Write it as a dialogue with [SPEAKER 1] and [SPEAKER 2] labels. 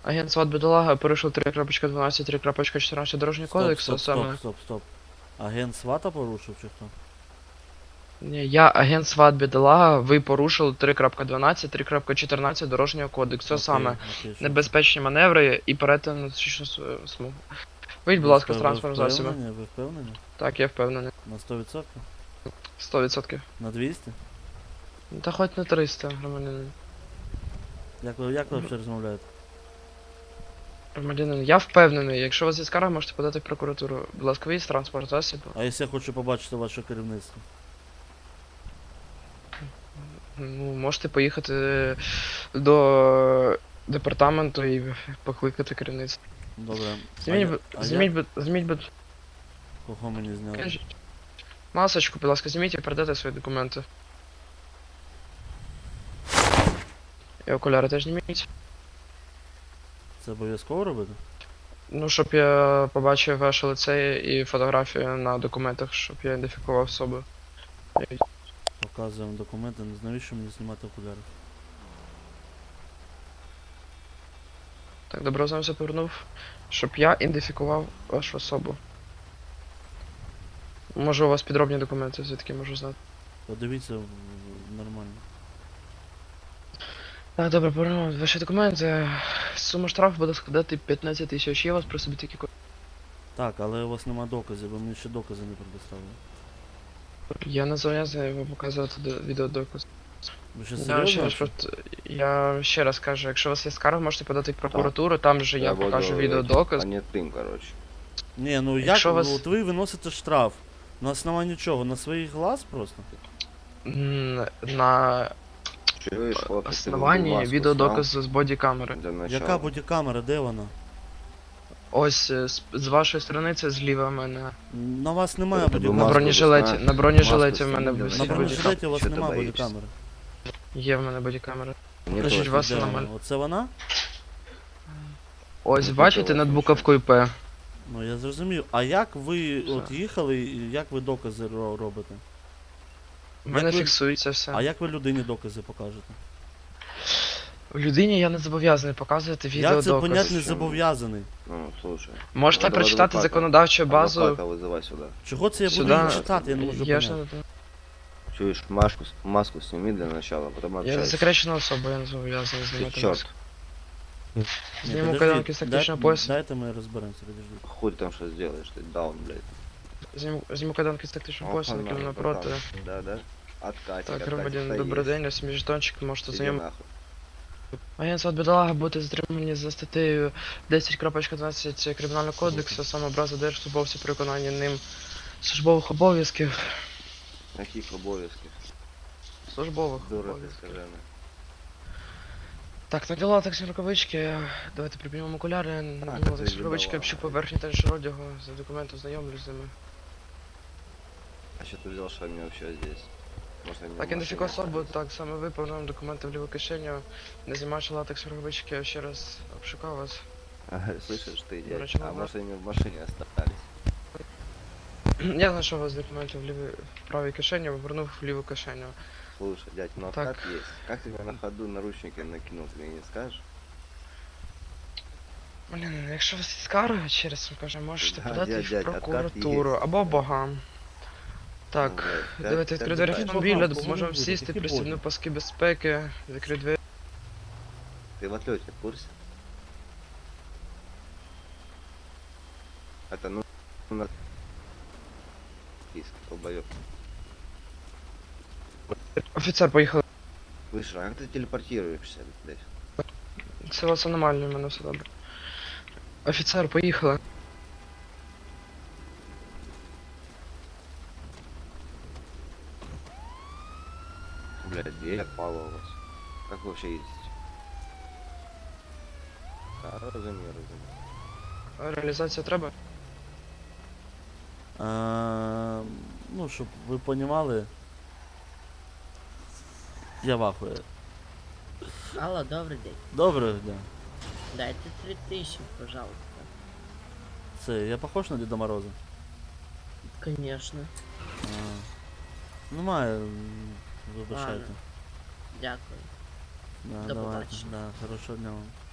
[SPEAKER 1] Агент СВАТ Бідолага порушив 3.12, 3.14 дорожнього кодексу, саме...
[SPEAKER 2] Стоп. Агент свата порушив чи хто?
[SPEAKER 1] Ні, я агент СВАТ Бідолага, ви порушили 3.12, 3.14 дорожнього кодексу, саме
[SPEAKER 2] Окей, що
[SPEAKER 1] небезпечні маневри і перетин на зустрічну смугу. Вийдь, будь
[SPEAKER 2] це?
[SPEAKER 1] ласка, з транспортного засобу.
[SPEAKER 2] Ви впевнені?
[SPEAKER 1] Так, я впевнений.
[SPEAKER 2] На 100%?
[SPEAKER 1] 100%.
[SPEAKER 2] На 200?
[SPEAKER 1] Та хоч на 300, громадянин.
[SPEAKER 2] Як ви взагалі розмовляєте?
[SPEAKER 1] Громадянин, я впевнений, якщо у вас є скарга, можете подати в прокуратуру. Будь ласка, вийдь з транспортного засобу.
[SPEAKER 2] А якщо я хочу побачити ваше керівництво?
[SPEAKER 1] Ну, можете поїхати до департаменту і покликати керівництво.
[SPEAKER 2] Добре.
[SPEAKER 1] Зніміть,
[SPEAKER 2] Кого мені зняли?
[SPEAKER 1] кажіть. Масочку, будь ласка, зніміть і передайте свої документи. І окуляри теж зніміть.
[SPEAKER 2] Це обов'язково робити?
[SPEAKER 1] Ну, щоб я побачив ваше лице і фотографію на документах, щоб я ідентифікував особу.
[SPEAKER 2] Показуємо документи, навіщо мені знімати окуляри?
[SPEAKER 1] Так, добре, знамся повернув, щоб я ідентифікував вашу особу. Може у вас підробні документи, звідки можу знати.
[SPEAKER 2] Подивіться нормально.
[SPEAKER 1] Так, добре, повернув ваші документи. Сума штрафу буде складати 15 тисяч. Є у вас при собі такі кошти?
[SPEAKER 2] Так, але у вас нема доказів, ви мені ще докази не предоставили.
[SPEAKER 1] Я не зобов'язаний вам показувати відеодоказ.
[SPEAKER 2] Ви ще
[SPEAKER 1] Я ще раз кажу, якщо у вас є скарга, можете подати в прокуратуру, там же я покажу відеодоказ.
[SPEAKER 3] А не тим, короче.
[SPEAKER 2] Ні, ну як,
[SPEAKER 1] Якщо вас-
[SPEAKER 2] от ви виносите штраф. На основанні чого? На своїх глаз просто?
[SPEAKER 1] На
[SPEAKER 3] Чуєш, хлопець,
[SPEAKER 1] основанні
[SPEAKER 3] маску
[SPEAKER 1] відеодоказу з бодікамери.
[SPEAKER 3] сняв для начала.
[SPEAKER 2] Яка бодікамера, де вона?
[SPEAKER 1] Ось з вашої сторони це зліва в мене.
[SPEAKER 2] На вас немає
[SPEAKER 3] Тебе
[SPEAKER 2] бодікамери.
[SPEAKER 1] На
[SPEAKER 3] маску
[SPEAKER 1] бронежилеті,
[SPEAKER 3] доставай.
[SPEAKER 1] на бронежилеті в
[SPEAKER 3] Маску
[SPEAKER 1] мене
[SPEAKER 3] сніми,
[SPEAKER 1] висить
[SPEAKER 2] На
[SPEAKER 3] давай.
[SPEAKER 1] бодікамера.
[SPEAKER 2] бронежилеті у вас
[SPEAKER 3] Що ти
[SPEAKER 2] немає
[SPEAKER 3] боїшся?
[SPEAKER 2] бодікамери.
[SPEAKER 1] Є в мене бодікамера.
[SPEAKER 3] Мені
[SPEAKER 1] Кажіть,
[SPEAKER 3] теж.
[SPEAKER 1] вас
[SPEAKER 2] Де
[SPEAKER 1] нормально.
[SPEAKER 2] вона? Оце вона?
[SPEAKER 1] Ось,
[SPEAKER 3] Ну,
[SPEAKER 1] бачите,
[SPEAKER 3] нічого,
[SPEAKER 1] над
[SPEAKER 3] нічого.
[SPEAKER 1] буковкою П.
[SPEAKER 2] Ну я зрозумів. А як ви
[SPEAKER 1] Все.
[SPEAKER 2] от їхали, і як ви докази робите?
[SPEAKER 1] У мене
[SPEAKER 2] Як ви-
[SPEAKER 1] фіксується все.
[SPEAKER 2] А як ви людині докази покажете?
[SPEAKER 1] Людині я не зобов'язаний показувати
[SPEAKER 2] Як це
[SPEAKER 1] відеодоказ.
[SPEAKER 2] понять не
[SPEAKER 3] Чому?
[SPEAKER 2] зобов'язаний?
[SPEAKER 3] Ну, слушай.
[SPEAKER 1] Можете
[SPEAKER 3] Давай
[SPEAKER 1] прочитати
[SPEAKER 3] адвоката.
[SPEAKER 1] законодавчу базу.
[SPEAKER 3] Адвоката вызывай сюда.
[SPEAKER 2] Чого це я буду
[SPEAKER 1] Сюди.
[SPEAKER 2] її читати, я не можу
[SPEAKER 1] Я ж
[SPEAKER 2] поняти.
[SPEAKER 1] не...
[SPEAKER 3] Чуешь, маску сними для начала, потом
[SPEAKER 1] Я
[SPEAKER 3] общайся.
[SPEAKER 1] засекречена особа, я не зобов'язаний
[SPEAKER 3] Ты
[SPEAKER 1] знімати
[SPEAKER 3] черт,
[SPEAKER 1] маску.
[SPEAKER 2] Ні,
[SPEAKER 1] Зніму
[SPEAKER 2] подождіть,
[SPEAKER 1] кайданки з тактичного пояса.
[SPEAKER 2] Дайте ми розберемося, подождіть.
[SPEAKER 3] хуй ты там что сделаешь, ты даун, блядь.
[SPEAKER 1] Зніму кайданки з тактичного пояса,
[SPEAKER 3] Опа,
[SPEAKER 1] накину
[SPEAKER 3] нахуй,
[SPEAKER 1] напроти.
[SPEAKER 3] братан. Да, да. Откатик,
[SPEAKER 1] Так,
[SPEAKER 3] откатик,
[SPEAKER 1] громадян,
[SPEAKER 3] да
[SPEAKER 1] добрий
[SPEAKER 3] есть.
[SPEAKER 1] день, ось мій жетончик, можете
[SPEAKER 3] Иди
[SPEAKER 1] знайомити.
[SPEAKER 3] нахуй.
[SPEAKER 1] Агент СВАТ Бідолага буде затримані за статтею 10.12 Кримінального кодексу, саме образа держслужбовця при виконанні ним службових обов'язків.
[SPEAKER 3] Каких обов'язків?
[SPEAKER 1] Службових
[SPEAKER 3] Дура ти
[SPEAKER 1] обов'язків.
[SPEAKER 3] скажена.
[SPEAKER 1] Так, наділа таксі рукавички, давайте припинимо окуляри, наділа
[SPEAKER 3] це
[SPEAKER 1] таксі рукавички,
[SPEAKER 3] віддавала.
[SPEAKER 1] общу поверхню та ж одягу, за документом знайомлюсь з ними.
[SPEAKER 3] А что ты взял, что они вообще здесь? Может, они
[SPEAKER 1] Так,
[SPEAKER 3] в
[SPEAKER 1] ідентифікую
[SPEAKER 3] машине
[SPEAKER 1] особу,
[SPEAKER 3] остались?
[SPEAKER 1] так, саме ви, повернув документи в ліву кишеню, не знімаючи латекс рукавички, я ще раз обшукав вас.
[SPEAKER 3] Ага, слышишь ты,
[SPEAKER 1] До
[SPEAKER 3] дядь?
[SPEAKER 1] речі,
[SPEAKER 3] А
[SPEAKER 1] назад.
[SPEAKER 3] может, они в машине остались?
[SPEAKER 1] Я знайшов вас документи в правій кишені, повернув в ліву кишеню.
[SPEAKER 3] Слушай, дядь, ну
[SPEAKER 1] Так.
[SPEAKER 3] откат есть. Как тебе на ходу наручники накинул, ты мне не скажешь?
[SPEAKER 1] Блін, якщо у вас є скарга, ще раз вам кажу, можете
[SPEAKER 3] Да,
[SPEAKER 1] подати
[SPEAKER 3] дядь,
[SPEAKER 1] в
[SPEAKER 3] откат
[SPEAKER 1] прокуратуру
[SPEAKER 3] є.
[SPEAKER 1] або богам. Так,
[SPEAKER 3] Ну, блядь,
[SPEAKER 1] давайте
[SPEAKER 3] п'ять
[SPEAKER 1] відкрити двері
[SPEAKER 3] питань.
[SPEAKER 1] автомобіля,
[SPEAKER 2] Богам,
[SPEAKER 1] допоможемо
[SPEAKER 2] богам,
[SPEAKER 1] сісти,
[SPEAKER 2] які
[SPEAKER 1] пристібну
[SPEAKER 2] боги?
[SPEAKER 1] паски безпеки, закрити двері.
[SPEAKER 3] Ты в отлете в курсе? Это ну на списке, долбоёб.
[SPEAKER 1] Офіцер, поїхали.
[SPEAKER 3] Слышишь, а как ты телепортируешься, блядь?
[SPEAKER 1] Це у вас аномально, в мене все добре. Офіцер, поїхали.
[SPEAKER 3] Блядь, где отпало у вас? Как вы вообще ездите? Да, разумею.
[SPEAKER 1] Реалізація треба?
[SPEAKER 2] Ну, щоб ви понімали. Я вахую.
[SPEAKER 4] Алло, добрый день.
[SPEAKER 2] Добре, да.
[SPEAKER 4] Дайте 3000, пожалуйста.
[SPEAKER 2] Це, я похож на Діда Мороза?
[SPEAKER 4] Конечно.
[SPEAKER 2] Немає, вибачайте.
[SPEAKER 4] Ладно. Дякую.
[SPEAKER 2] Да,
[SPEAKER 4] До
[SPEAKER 2] давайте,
[SPEAKER 4] побачення.
[SPEAKER 2] да, хорошого дня вам.